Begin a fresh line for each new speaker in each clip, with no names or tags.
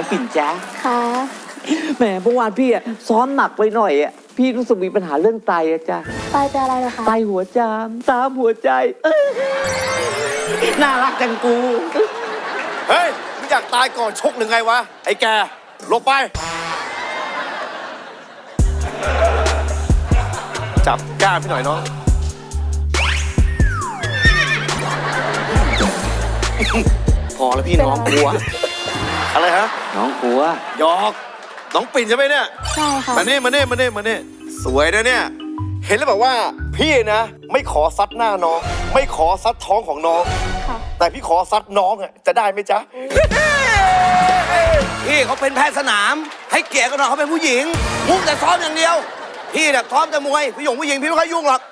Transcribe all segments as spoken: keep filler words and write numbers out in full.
ปิ่นจ๊ะ
ค่ะ
แหมเมื่อวานพี่อะซ้อมหนักไปหน่อยอะพี่รู้สึกมีปัญหาเรื่องไตอะจ้ะ
ไตเป็นอะไรเหรอคะ
ไตหัวจามตามหัวใจน่ารักจังกู
เฮ้ยมึงอยากตายก่อนชกหรือไงวะไอ้แกลงไปจับก้านพี่หน่อยน้องพอแล้วพี่น้องกลัวอะไรฮะ
น้องกลัว
หยอกน้องปิ่นใช่ไหมเนี่ย
ใช่ค่ะ
มาเน่มาเน่มาเน่มาเน่สวยนะเนี่ยเห็นแล้วแบบว่าพี่นะไม่ขอซัดหน้าน้องไม่ขอซัดท้องของน้องแต่พี่ขอซัดน้องอ่ะจะได้ไหมจ๊ะ
พี่เขาเป็นแพทย์สนามให้เกียรติกันหน่อยเขาเป็นผู้หญิงมุ่งแต่ซ้อมอย่างเดียวพี่เนี่ยซ้อมแต่มวยผู้หญิงผู้หญิงพี่ไม่ค่อยยุ่งหรอก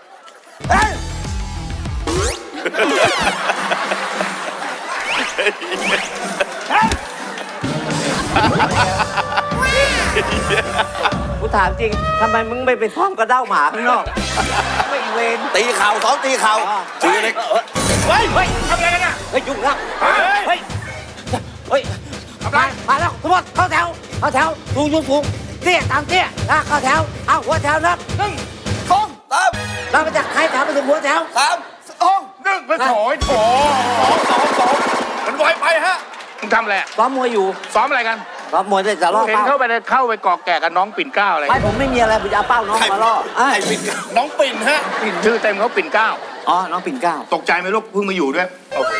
กูถามจริงทำไมมึงไม่ไปซ้อมกระเด้าหมาข้างนอกไม่เวร
ตีเข่าซ้อมตีเข่า
ตีเล็ก
เฮ้ยเฮ้ยทำอะไรกันเนี่ยเฮ้ยยุ่งแล้วเฮ้ยเฮ้ยเฮ้ยทำไรมาแล้วทุกคนเข้าแถวเข้าแถวสูงสูงสูงเตี้ยตามเตี้ยนะเข้าแถวเอาหัวแถวนับหนึ่งสอง
สาม
เราไปจากใครแถวไปถึงหัวแถว
สาม
สองหนึ่งไปโถยโถสองสองสองมันไวไปฮะ
มึงทำอะไร
ซ้อมมวยอยู่
ซ้อมอะไรกัน
ซ้อมมวยได้จะล่อ
เห็นเข้าไปเข้าไปกอกแก่กับน้องปิ่นเก้าอะไร
ไม่ผมไม่มีอะไรผมจะเอาเป้าน้องมาล่อ
ไอ้ปิ่นน้องปิ่นฮะ
ชื่อเต็มเขาปิ่นเก้า
อ๋อน้องปิ่นเก้า
ตกใจไหมลูกเพิ่งมาอยู่ด้วย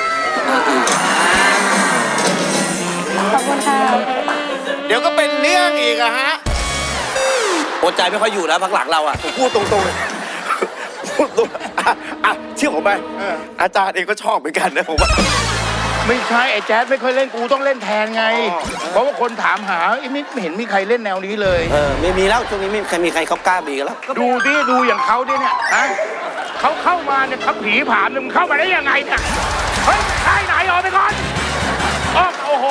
ขอบคุณค่ะ
เดี๋ยวก็เป็นเรื่องอีกอะฮะ
อดใจไม่ค่อยอยู่นะพักหลังเราอะ
พูดตรงๆเลยพูดตรงอ่ะเชื่อผมไหมอาจารย์เองก็ชอบเหมือนกันนะผมว่า
ไม่ใช่ไอ้แจ๊ดไม่ค่อยเล่นกูต้องเล่นแทนไงเพราะว่าคนถามหาไม่เห็นมีใครเล่นแนวนี้เลย
เออไม่มีแล้วช่วงนี้ไม่ใครมีใครเขากล้าบีกันแล้ว
ดูดิดูอย่างเขาดิเนี่ยนะเขาเข้ามาเนี่ยเขาผีผามมึงเข้ามาได้ยังไงเนี่ยเฮ้ยใช่ไหนออกไปก่อนอ้อโอ้โห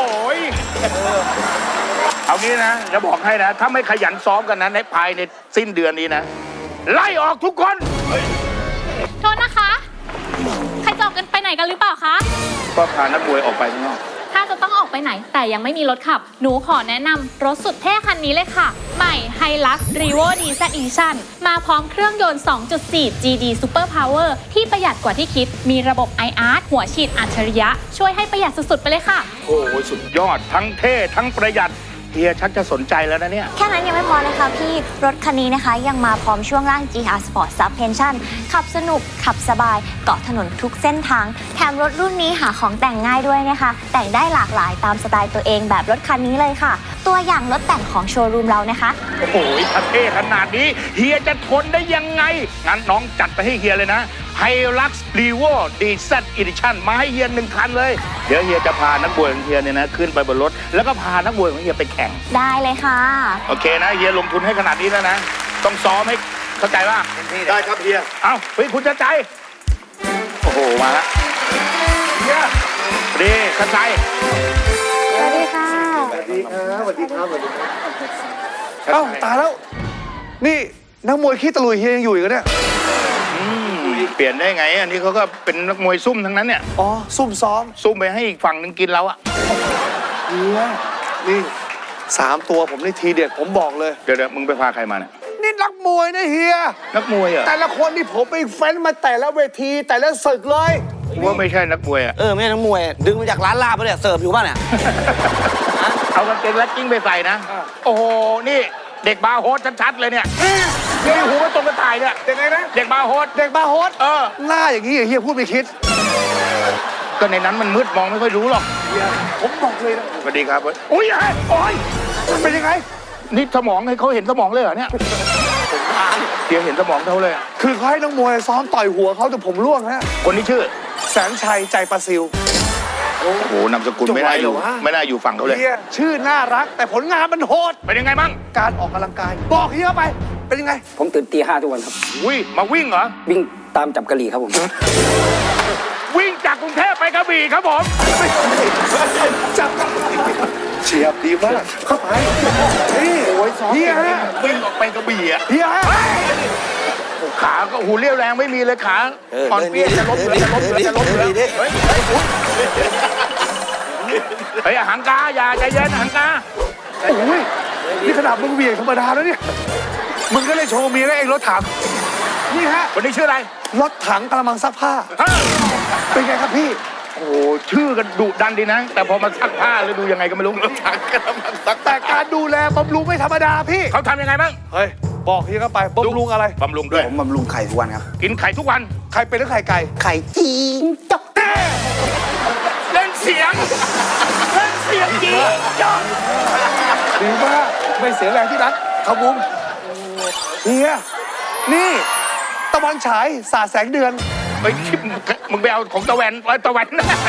เอางี้นะจะบอกให้นะถ้าไม่ขยันซ้อมกันนะในภายในสิ้นเดือนนี้นะไล่ออกทุกคน
โทษนะคะใครจะออกกันไปไหนกันหรือเปล่าคะ
ก็พานักมวยออกไปข้างนอก
ถ้าจะต้องออกไปไหนแต่ยังไม่มีรถขับหนูขอแนะนำรถสุดเท่คันนี้เลยค่ะใหม่ Hilux Revo ดี แซด Edition มาพร้อมเครื่องยนต์ สองจุดสี่ จี ดี Super Power ที่ประหยัดกว่าที่คิดมีระบบ ไอ อาร์ หัวฉีดอัจฉริยะช่วยให้ประหยัดสุดๆไปเลยค่ะ
โอ้โหสุดยอดทั้งเท่ทั้งประหยัดเฮียชักจะสนใจแล้วนะเนี่ย
แค่นั้นยังไม่พอนะคะพี่รถคันนี้นะคะยังมาพร้อมช่วงล่าง จี อาร์ Sport Suspension ขับสนุกขับสบายเกาะถนนทุกเส้นทางแถมรถรุ่นนี้หาของแต่งง่ายด้วยนะคะแต่งได้หลากหลายตามสไตล์ตัวเองแบบรถคันนี้เลยค่ะตัวอย่างรถแต่งของโชว์รูมเรานะคะ
โอ้โหถ้าเท่ขนาดนี้เฮียจะทนได้ยังไงงั้นน้องจัดไปให้เฮียเลยนะ Hilux Revo ดี แซด Edition มาให้เฮียหนึ่งคันเลยเดี๋ยวเฮียจะพานักบวยของเฮียเนี่ยนะขึ้นไปบนรถแล้วก็พานักบวยของเฮียไปแข่ง
ได้เลยค่ะ
โอเคนะเฮียลงทุนให้ขนาดนี้แล้วนะต้องซ้อมให้เข้าใจป่ะ
ได้ครับเฮีย
เอ้าเฮ้ยคุณจะใจโอ้โหมาแล้วเฮียดีเข้าใจ
สวัสดีค่ะ
สวัสดีครับสวัสดีครับสวัสดีครับ
เอ้าตายแล้วนี่นักมวยขี้ตะลุยเฮียยังอยู่อีกเนี่ย
เปลี่ยนได้ไงอันนี้เขาก็เป็นนักมวยซุ่มทั้งนั้นเนี่ย
อ๋อซุ่มซ้อม
ซุ่มไปให้อีกฝั่งนึงกินแล้วอะ
เฮียนี่สามตัวผมนี่ทีเด็ดผมบอกเลย
เดี๋ยวเดี๋ยวมึงไปพาใครมาเนี่ย
นี่นักมวยนะเฮีย
นักมวยเหรอ
แต่ละคนนี่ผมไปเฟ้นมาแต่ละเวทีแต่ละศึกเลย
ว่าไม่ใช่นักมวยอะ
เออไม่ใช่นักมวยดึงมาจากร้านลาบไปเนี่ยเสิร์ฟอยู่ป่ะเนี่ย
เอากางเกงรัดกิ้งไปใส่นะโอ้โหนี่เด็กบาร์โฮสชัดๆเลยเนี่ยนี่หูก็ตรงกระต่ายเนี่ย
เด็กไงนะ
เด็กบาร์โฮส
เด็กบาร์โฮส
เออ
หน้าอย่างนี้เฮียพูดไม่คิด
ก็ในนั้นมันมืดมองไม่ค่อยรู้หรอก
ผมบอกเลยนะ
สวัสดีครับอุ้ยโอ้ย
เป็นยังไง
นี่สมองให้เขาเห็นสมองเลยเหรอเนี่ยเดี๋ยวเห็นสมองเขาเลย
คือเขาให้นักมวยซ้อมต่อยหัวเขาแต่ผมร่วงฮะ
คนนี้ชื่อ
แสนชัยใจประซิว
โอ้โหนามสกุลไม่น่าอยู่ไม่น่าอยู่ฝั่งเขาเลย
ชื่อน่ารักแต่ผลงานมันโหด
เป็นยังไงบ้าง
การออกกำลังกายบอกเฮียไปเป็นยังไง
ผมตื่นตีห้าทุกวันครับ
อุ้ยมาวิ่งเหรอ
วิ่งตามจับกะหรี่ครับผม
วิ่งจากกรุงเทพไปกระบี่ครับผม
จับเฉียบดีมากเข้าไปนี่โอ้ยเฮียฮะ
วิ่งออกไปกระบี่อ่ะ
เฮียฮะ
ขาก็หูเรี่ยวแรงไม่มีเลยขาอ่อนเปี้ยจะล้มเลยจะล้มเลยจะล้มเลยเฮ้ยเฮ้ยหังกาอย่าใจเย็นหังกา
โอ้ยนี่ขนาดมึงเหวี่ยงธรรมดาแล้วเนี่ยมึงก็เลยโชว์เมียแล้วเองรถถังนี่ฮะ
คนนี้ชื่ออะไร
รถถังกระมังซักผ้า
ฮะ
เป็นไงครับพี่
โอ้โหชื่อกันดุดันดีนะ แต่พอมาซักผ้าหรือดูยังไงก็ไม่รู้ถังกระมังซัก
แต่การดูแลบำรุงไม่ธรรมดาพี่
เขาทำยังไงบ้าง
เฮ้ยบอกพี่เข้าไปบำรุงอะไร
บำรุงด้วย
ผมบำรุงไข่ทุกวันครับ
กินไข่ทุกวัน
ใครเป็นหรือไข่ไก่
ไข่จีนจก
เล่นเสียงเล่นเสียงจริงจ้อง
ดีมากไม่เสียแรงที่รักครับบุ้มเฮียนี่ตะวันฉายสาดแสงเดือน
เฮ้ยมึงไปเอาของตะแวนตะแวน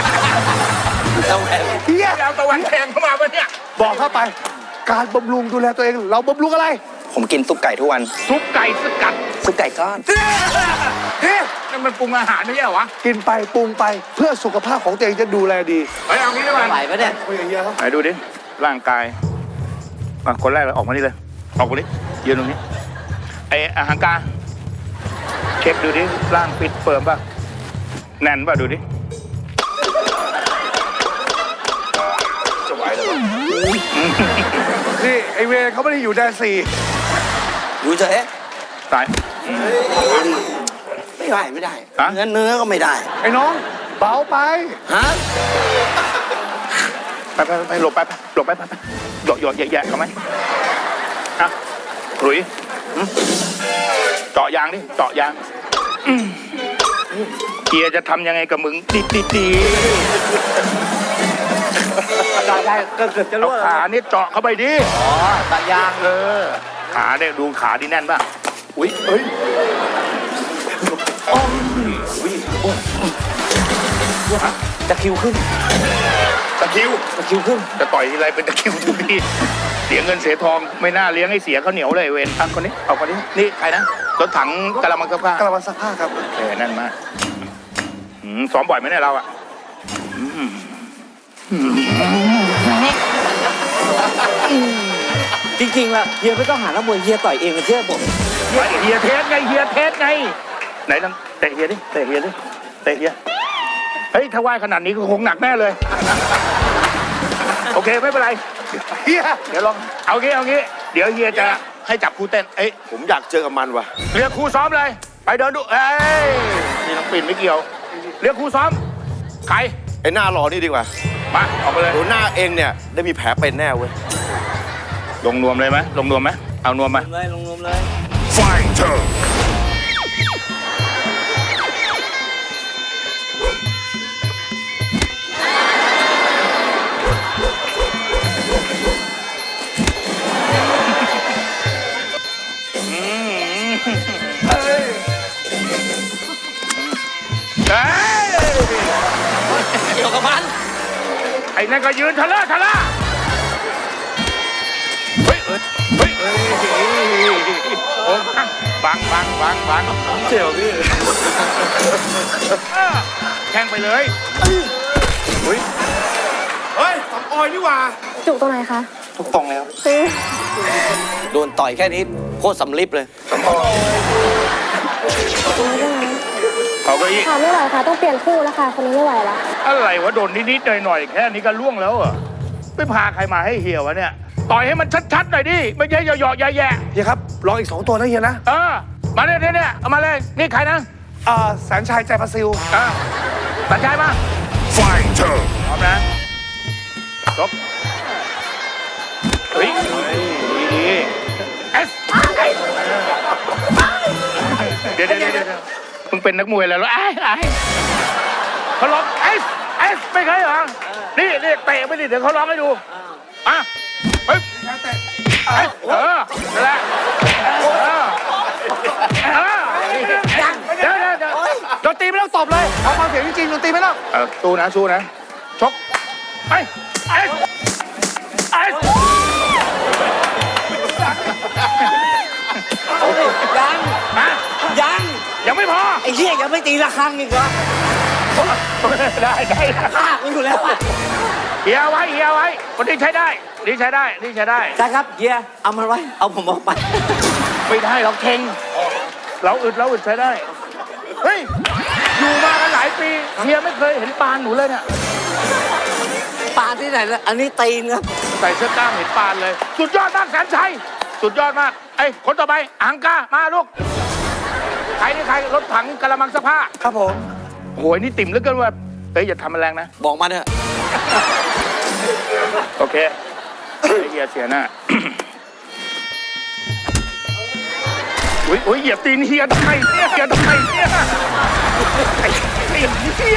เฮีย
ไปเอาตะแวนแทงเข้ามาปะเนี่ย
บอกเข้าไป การบำรุงดูแลตัวเองเราบำรุงอะไร
ผมกินซุปไก่ทุกวัน
ซุปไก่สกัด
ซุปไก่ก้อน
เฮ้ย
นั่นมันปรุงอาหารไม่ใช่เหรอวะ
กินไปปรุงไปเพื่อสุขภาพของตัวเองจะดูแลดี
เฮ้ยเอางี้ดีกว่า
ไหวปะเนี่ย
คุยกับเฮียครับ
ไหนดูดิร่างกายอ่ะคนแรกเลยออกมานี่เลยออกมานี่ยืนตรงนี้ไออาหารกาเช็คดูดิร่างฟิตเฟิร์มป่ะแน่นป่ะดูดิจะไหวหรือเปล่า
นี่ไอเวรเขาไม่ได้อยู่แดนสี่
อยู่เฉย
ตาย
ไม่ได้ไม่ได้
ฮะ
เนื้อเนื้อก็ไม่ได้
ไอ้น้องเบาไป
ฮะ
ไปไปไปหลบไปไปหลบไปไปไปหยอกหยอกแย่ๆเขาไหมอ่ะหลุยหึเจาะยางดิเจาะยางอืมเกียร์จะทำยังไงกับมึงดีดีดี
ได้ได้ก็เกือบจะ
เอา
รั่วแล้ว
ขานี่เจาะเข้าไปดิ
อ๋อตายาง
เออ ขาเนี่ยดูขาที่แน่นป่ะ อุ้ยเอ้ยฮะ
ตะคริวขึ้น
ตะคริว
ตะคริวขึ้น
จะต่อยทีไรเป็นตะคริวทุกทีเสียเงินเสียทองไม่น่าเลี้ยงให้เสียข้าวเหนียวเลยเวนอ่ะคนนี้ เอาคนนี้ นี่ใครนะ รถถังกะละมังกระพ้าก
ระมังซักผ้าครับ
เออนั่นมากอืมซ้อมบ่อยไหมเนี่ยเราอ่ะอืม
จริงๆล่ะเฮียไม่ต้องหานักมวยเฮียต่อยเองนะเชื่อผม
ไอ้เฮียเทสไงเฮียเทสไง ไหนลองเตะเฮียดิ เตะเฮียดิ เตะเฮีย เฮ้ย ถ้าว่ายขนาดนี้ก็คงหนักแน่เลย โอเค ไม่เป็นไร
เฮีย
เดี๋ยวลอง เอางี้ เอางี้ เดี๋ยวเฮียจะให้จับครูเต้น เอ้ย
ผมอยากเจอกับมันว่ะ
เรียกครูซ้อมเลย ไปเดินดู เอ้ย นี่น้องปิ่นไม่เกี่ยว เรียกครูซ้อม ใคร
ไอ้หน้าหล่อนี่ดีกว่า
มา ออกมาเลย
ดูหน้าเองเนี่ยได้มีแผลเป็นแน่เว้ย
ลงนวมเลยไหมลงนวมไหมเอานวมมา
เลยลงนมเลย
Fighter
เกี่ยวกับมัน
ไอ้นั่นก็ยืนทะเลาะทะเลาะเฮ้ยเฮ้ยเฮ้ยเฮ้ยโอ้บังบังบังบังบังเจียวพี่แทงไปเลยเฮ้ย
เฮ้ยสำออยนี่หว่า
จุกตรงไหนคะ
ทุกตรงเลยครับโดนต่อยแค่นี้โคตรสำลิดเลย
เขาก็อีก
ค่ะไม่ไหวค่ะต้องเปลี่ยนคู่แล้วค่ะคนนี้ไม่ไหวแล้ว
อะไรวะโดนนิดๆหน่อยๆแค่นี้ก็ล่วงแล้วเหรอไปพาใครมาให้เหี่ยววะเนี่ยต่อยให้มันชัดๆหน่อยดิไม่ใช่เหยาะๆแย่
เฮียครับลองอีกสองตัวนะเฮียนะ
ๆเออมาเนี่ยเนี่ยเอามาเลยนี่ใครนะ
อ่าแสนชัยใจประซิล
อ่าตัดใจมา Fighter พร้อมนะจบเฮ้ยดีดีเอสเดี๋ยวเดี๋ยวเดี๋ยวมึงเป็นนักมวยแล้วเหรอไอ้ไอ้เขาร้องเอสเอสไม่เคยเหรอนี่นี่เตะไปดิเดี๋ยวเขาร้องให้ดูอ่ะเฮ้ยเอสเออนั่นแหละเออเออเดี๋ยวเดี๋ยวเดี๋ยว
ดนตรีไม่ต้องตบเลยเอาความเสียงจริงๆดนตรีไม่ต้อง
เออสู้นะสู้นะชกไปไอ้ไอ้
ยัง
ฮะ
ยัง
ยังไม่พอ
ไอ้เหี้ยยังไม่ตีระฆังอีกเหรอ
ได้ได้
ฆ่ากูอยู่แล้วอะ
เฮียไว้เฮียไว้คนนี้ใช้ได้นี่ใช้ได้นี่ใช้ได้
ได้ครับเฮียเอามันไว้เอาผมออกไป
ไม่ได้เราเข่งเราอึดเราอึดใช้ได้เฮ้ยอยู่มากันหลายปีเฮียไม่เคยเห็นปานหนูเลยเนี่ย
ปานที่ไหนล่ะอันนี้ตีนครับ
ใส่เสื้อกล้ามเห็นปานเลย สุดยอดมากแสนชัยสุดยอดมากไอ้ยคนต่อไปอังกามาลูกใครนี่ใครรถถังกระมังเสภา
ครับผม
โหยนี่ติ่มเหลือเกินว่าเฮ้ยอย่าทำมันแรงนะ
บอกมาเถอะ
โอเคไอ้เฮียเสียหน้า อุ้ยอุ้ยเหยียบตีนเฮียทำไมเนี่ยเฮียทำไมเนี่ยไอ้ตีนเฮีย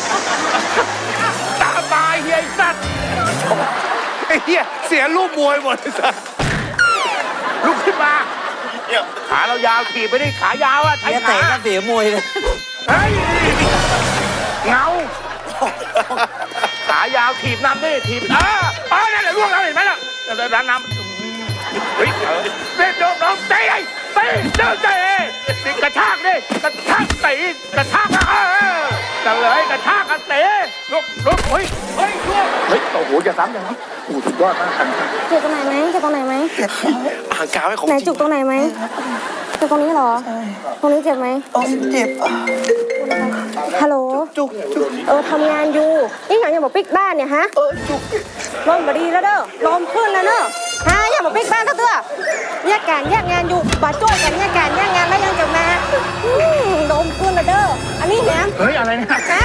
ตาบายเฮียไอ้สัตว์
ไอ้เหี้ยเสียรูปมวยหมดเลยสัส
ลุกขึ้นมาขาเรายาวถีบไปดิขายาวอะใช้
เฮีย
ขา
เตะก็เสียมวยเลย
เฮ้ยเงาขายาวถีบน้ำดิถีบเออเออนั่นแหละล่วงแล้วเห็นไหมล่ะร้านน้ำเฮ้ยเด็กน้องเตะเตะเดินเตะติกระชากดิกระชากเตะกระชากเออจะเลยกระชากกันเตะลุกลุกเฮ้ยเฮ้ยล่วงเฮ้ยโอ้โหอย่าซ้ำอย่าซ้ำโอ้สุดยอดมากครับ
เจ็บตรงไหนไหมเจ็บตรงไหนไหม
อ่างกาวให้ของ
ไหน
จริ
จุ
ง
กตรงไหนไหมเจ็บตรงนี้เหรอ ตรงนี้เจ็บไหม
เจ็บ
ฮัลโหล
จุกจุก
เออทำงานอยู่นี่อย่างอย่าบอกปิ๊กบ้านเนี่ยฮะ
เออจุก
ลมบดีแล้วเด้อลมขึ้นแล้วเด้อฮะอย่าบอกปิ๊กบ้านเถอะเด้อแยกการแยกงานอยู่บาดจ้วยกันแยกการแยกงานแล้วยังจะมาอืมลมขึ้นแล้วเด้ออันนี้แหนม
เฮ้ยอะไรเนี่ย
ฮะ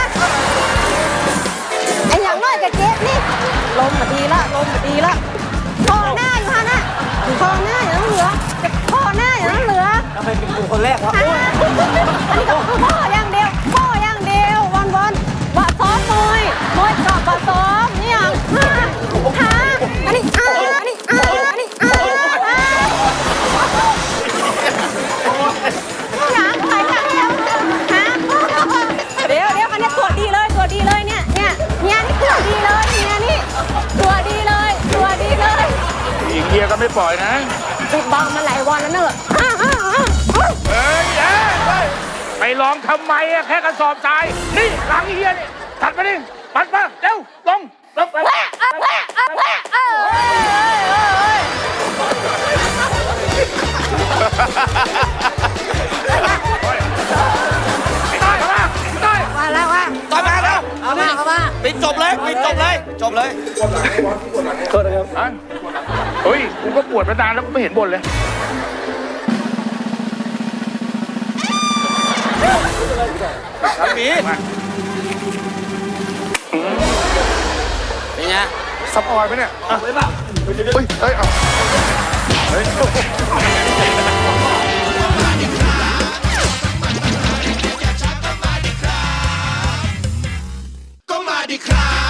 ไอ้อย่างน้อยกับเจ็บนี่ลมบดีละลมบดีละคอหน้าอยู่ฮะน่ะคอหน้าอย่างนั้นเหลือคอหน้าอย่างนั้นเหลือ
ทำไมเป็นกูคนแรกวะ
อันนี้ก็คือพ่ออย่างเดียวพ่ออย่างเดียววันวันบะซ้อมมวยมวยกับบะซ้อมนี่ยังฮะฮะอันนี้อ่าอันนี้อ่าอันนี้อ่าหนังใครกันแล้วฮะเดี๋ยวเดี๋ยวอันนี้ตัวดีเลยตัวดีเลยเนี่ยเนี่ยเนี่ยนี่ตัวดีเลยเนี่ยนี่ตัวดีเลยตัวดีเลย
อีกเฮียก็ไม่ปล่อยนะ
ปิดบังมาหลายวันแล้วเนอะ
เฮ้ยเอ้ยเฮ้ยไปลองทำไมอะแค่กระสอบทราย นี่หลังเฮียนี่ถัดมาดิปัดมาเร็วลงลงไป
แพะอ่ะแพะอ่ะแพะเออเอ้ยเอ้ยเอ้ย
ได้เข้ามาได้
มาแล้วว่า
ต่อยมาแล้ว
เอามาเอามา
ปิดจบเลยปิดจบเลย จบเลย
อ่ะเฮ้ยกูก็ปวดมานานแล้วไม่เห็นบ่นเลย
ทำหมี
มา
เป็นไง
ซับออยไหมเนี่ยอ่ะเฮ้ยเฮ้ยเอาเฮ้ย
ก็มาดิครับ